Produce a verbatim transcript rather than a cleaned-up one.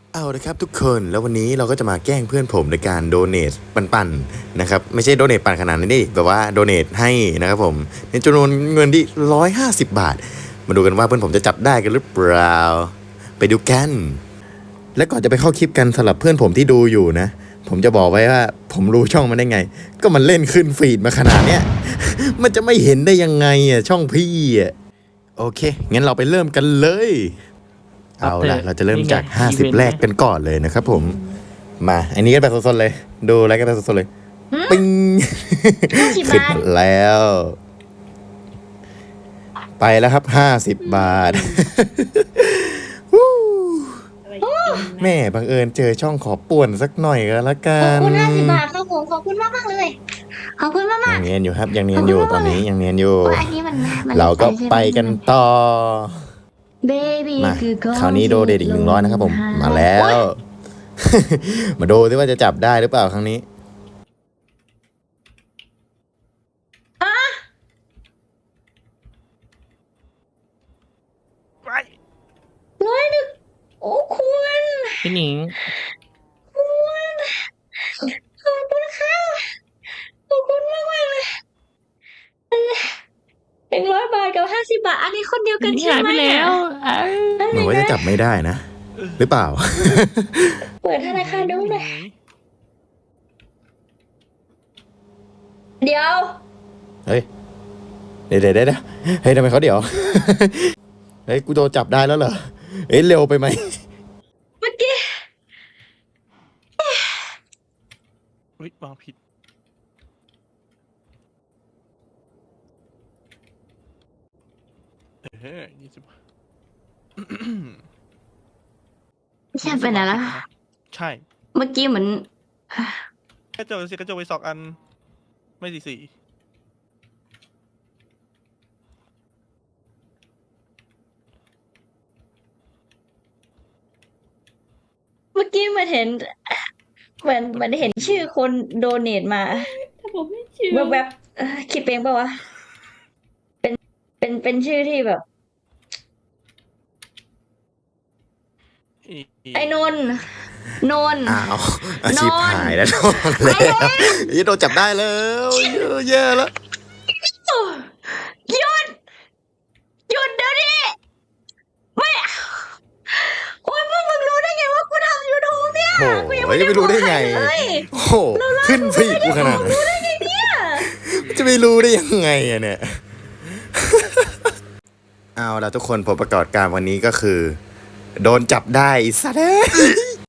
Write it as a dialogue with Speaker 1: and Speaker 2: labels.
Speaker 1: เอาละครับทุกคนแล้ววันนี้เราก็จะมาแกล้งเพื่อนผมในการโดเนทปั่นๆนะครับไม่ใช่โดเนทปั่นขนาดนี้ดิแบบว่าโดเนทให้นะครับผมในจำนวนเงินที่ร้อยห้าสิบบาทมาดูกันว่าเพื่อนผมจะจับได้กันหรือเปล่าไปดูกันและก่อนจะไปเข้าคลิปกันสำหรับเพื่อนผมที่ดูอยู่นะผมจะบอกไว้ว่าผมรู้ช่องมันได้ไงก็มันเล่นขึ้นฟีดมาขนาดเนี้ย มันจะไม่เห็นได้ยังไงอ่ะช่องพี่อ่ะโอเคงั้นเราไปเริ่มกันเลยเอาล่ะเราจะเริ่มจากห้าสิบแรกกันก่อนเลยนะครับผมมาอันนี้ก็แบบสดๆเลยดูอะไรก็แบบสดๆเลยปิ้ง ขึ้นมาแล้ว ไปแล้วครับห้าสิบบาท แม่บังเอิญเจอช่องขอป่วนสักหน่อยก็แล้วกั
Speaker 2: ขอบ
Speaker 1: น
Speaker 2: คุณห้าสิบบาทครับผมขอบคุณมากมากๆเลย ขอบคุณมาก
Speaker 1: ยั
Speaker 2: มาก
Speaker 1: งเนียนอยู่ครับยังเนียนอยู่ตอนนี้ยังเนียนอยู่
Speaker 2: อันนี้มันมัน
Speaker 1: เราก็ไปกันต่อ
Speaker 2: เบบี้
Speaker 1: มา
Speaker 2: คือ
Speaker 1: คราวนี้โดเดทอีกหนึ่งร้อยนะครับผมมาแล้ว มาดูซิว่าจะจับได้หรือเปล่าครั้งนี้
Speaker 2: ร้อยหนึ่งโอ้คุณ
Speaker 3: พี่หนิง
Speaker 2: ขอบคุณค่ะขอบคุณมากมากเลยหนึ่งร้อยบาทกับห้าสิบบาท อันนี้คนเดียวกัน
Speaker 3: นี่
Speaker 2: ใช่
Speaker 3: หาย
Speaker 2: ไหม
Speaker 3: ไปแล้วอ้าว
Speaker 1: เหมือนว่าจะจับไม่ได้นะ หรือเปล่า
Speaker 2: เปิดธนาคารดูหน่อยเดี๋ยว
Speaker 1: เฮ้ยเดี๋ยวเดี๋ยวเดี๋ยวเฮ้ยทำไมเขาเดี๋ยว เฮ้ยกูโดนจับได้แล้วเหรอเฮ้ยเร็วไปไหม
Speaker 2: เมื่อกี้
Speaker 3: อุ๊ยวางผิดเฮ้ยยี่สิบ
Speaker 2: ใช่เป็นอะไรล่ะ
Speaker 3: ใช่
Speaker 2: เมื่อกี้เหมือน
Speaker 3: กระจกสิกระจกไปสองอัน ไม่สี่สี่
Speaker 2: เมื่อกี้มันเห็นเหมือนเหมือนเห็นชื่อคนโดเนทมา
Speaker 4: ถ้าผมไม่เชื่อ
Speaker 2: แวบๆเอ่อคิดเองปะวะ เป็นเป็นเป็นชื่อที่แบบ
Speaker 3: อี
Speaker 2: ไอ้นนท์นนท์
Speaker 1: อ้าวอาชีพ
Speaker 2: นอน
Speaker 1: หายแล้วโดนแล้วยี่โดนจับได้แล้วแย่แล้ว
Speaker 2: หยุดหยุดเดี๋ยวนี้ไม่โอ้ยพวกมึงรู้ได้ไงว่ากูทำยูทูบเนี่ย
Speaker 1: โอ้
Speaker 2: กูยัง
Speaker 1: โห
Speaker 2: ไม่ได้
Speaker 1: จะไปรู้ได้ไง
Speaker 2: บอกใครเลย
Speaker 1: โอ้โหขึ้นฟีดกูขนาดนั้น
Speaker 2: รู้ได้ไงเนี่ย
Speaker 1: จะไปรู้ได้ยังไงอะเนี่ย เอาละทุกคนผลประกอบการวันนี้ก็คือ โดนจับได้สัตว์